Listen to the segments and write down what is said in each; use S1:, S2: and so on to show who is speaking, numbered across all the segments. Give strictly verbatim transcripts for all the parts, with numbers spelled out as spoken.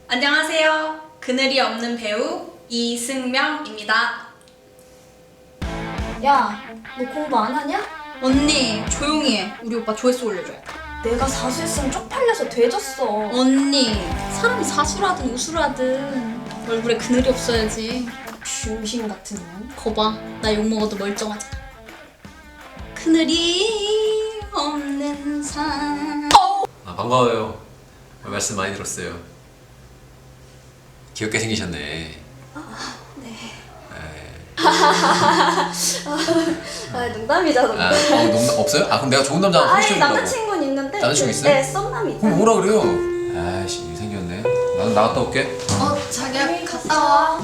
S1: 안녕하세요. 그늘이 없는 배우 이승명입니다.
S2: 야, 너 공부 안 하냐?
S1: 언니 조용히 해. 우리 오빠 조회수 올려줘야 돼.
S2: 내가 사수했으면 쪽팔려서 되졌어.
S1: 언니 사람이 사수라든 우수라든 얼굴에 그늘이 없어야지.
S2: 중심 같은 년.
S1: 거봐 나 욕먹어도 멀쩡하잖아. 그늘이 없는 산.
S3: 아, 반가워요. 말씀 많이 들었어요. 귀엽게 생기셨네.
S2: 네.
S3: 에이.
S2: 아, 농담이잖아.
S3: 아, 어, 농담 없어요? 아, 그럼 내가 좋은 남자 하나
S2: 아니,
S3: 소개시켜주려고.
S2: 남자친구는 있는데.
S3: 남자친구
S2: 그-
S3: 있어요?
S2: 네, 썸남이죠.
S3: 그럼 뭐라 그래요? 아이씨, 생겼네. 나는 나갔다 올게.
S1: 어 자기야
S2: 네,
S1: 갔다 와.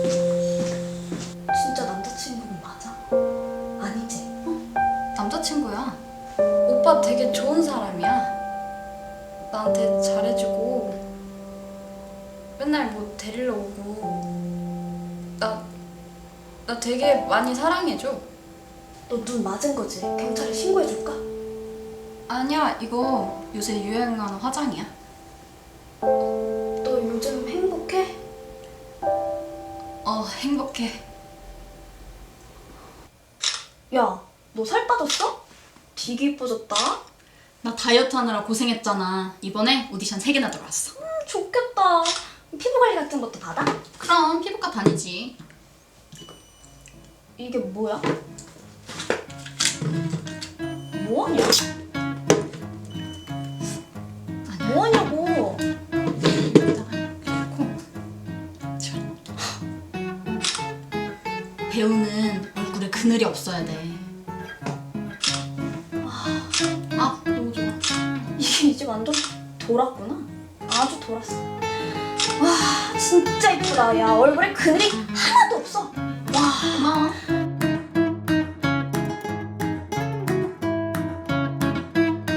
S2: 진짜 남자친구는 맞아? 아니지?
S1: 남자친구야. 오빠 되게 좋은 사람이야. 나한테 잘해주고 맨날 뭐 데리러 오고 나, 나 되게 많이 사랑해줘.
S2: 너 눈 맞은 거지? 경찰에 신고해줄까?
S1: 아니야 이거 요새 유행하는 화장이야.
S2: 너 요즘 행복해?
S1: 어 행복해.
S2: 야, 너 살 빠졌어? 되게 이뻐졌다.
S1: 나 다이어트 하느라 고생했잖아. 이번에 오디션 세 개나 들어왔어.
S2: 음, 좋겠다. 피부 관리 같은 것도 받아?
S1: 그럼 피부과 다니지.
S2: 이게 뭐야? 뭐하냐? 뭐하냐고.
S1: 배우는 얼굴에 그늘이 없어야 돼. 아 너무 좋아.
S2: 이게 이제 완전 돌았구나. 아주 돌았어. 와, 진짜 이쁘다. 야, 얼굴에 그늘이 하나도 없어.
S1: 고마워.